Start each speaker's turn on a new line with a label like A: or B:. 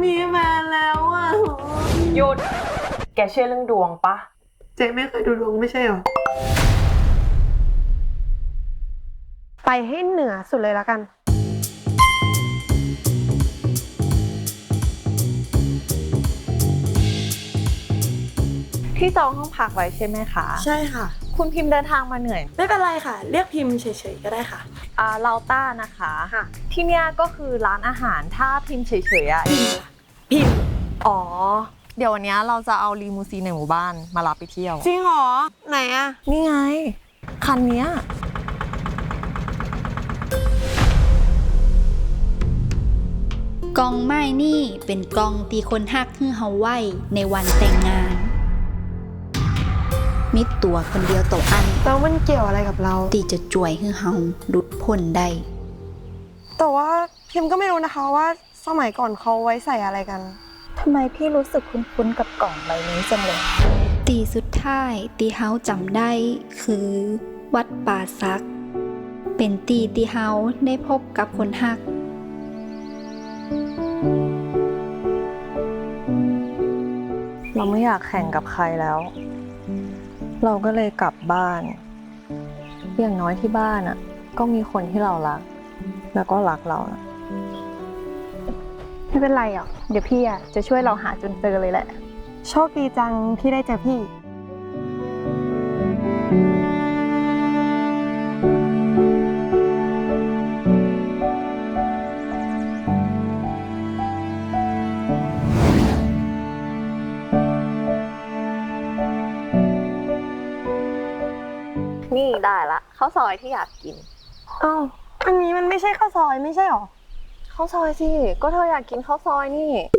A: มีแฟนแล้วอ่ะ
B: หยุดแกเชื่อเรื่องดวงปะ
A: เจ๊ไม่เคยดูดวงไม่ใช่หรอไปให้เหนือสุดเลยละกัน
B: ที่จองห้องพักไว้ใช่ไหมคะ
A: ใช่ค่ะ
B: คุณพิมพ์เดินทางมาเหนื่อย
A: ไม่เป็นไรค่ะ เรียกพิมพ์เฉยๆก็ได้ค่ะ
B: เราต้านะคะ
A: ค่ะ
B: ที่เนี้ยก็คือร้านอาหารถ้าพิมพ์เฉยๆอะ
A: พิมพ์
B: อ๋อ เดี๋ยววันเนี้ยเราจะเอาลีมูซีนในหมู่บ้านมารับไปเที่ยว
A: จริงเหรอไหนอะ
B: นี่ไง คันเนี้ย
C: กองไม้นี่เป็นกองตีคนฮักฮือเฮาไว้ในวันแต่งงาน มิตัวคนเดียวต่ออัน
A: แล้วมันเกี่ยวอะไรกับเรา
C: ตีจะจ่วยฮือเฮาหลุดพ้นได้
A: แต่ว่าพิมพ์ก็ไม่รู้นะคะว่าสมัยก่อนเขาไว้ใส่อะไรกัน
D: ทำไมพี่รู้สึกคุ้นๆกับกล่องใบนี้จังเลย
C: ตีสุดท้ายตีเฮาจำได้คือ วัดป่าซัก เป็นตีเฮาได้พบกับคนฮัก
B: เราไม่อยากแข่งกับใครแล้ว เราก็เลยกลับบ้าน อย่างน้อยที่บ้านอะก็มีคนที่เรารัก แล้วก็รักเรานะ
D: ไม่เป็นไรหรอกเดี๋ยวพี่อ่ะจะช่วยเราหาจนเจอเลยแหละ
A: โชคดีจังที่ได้เจอพี่
B: นี่ได้ละข้าวซอยที่อยากกิน
A: อ้าวอันนี้มันไม่ใช่ข้าวซอยไม่ใช่หรอ
B: ข้าวซอยสิ ก็เธออยากกินข้าวซอยนี่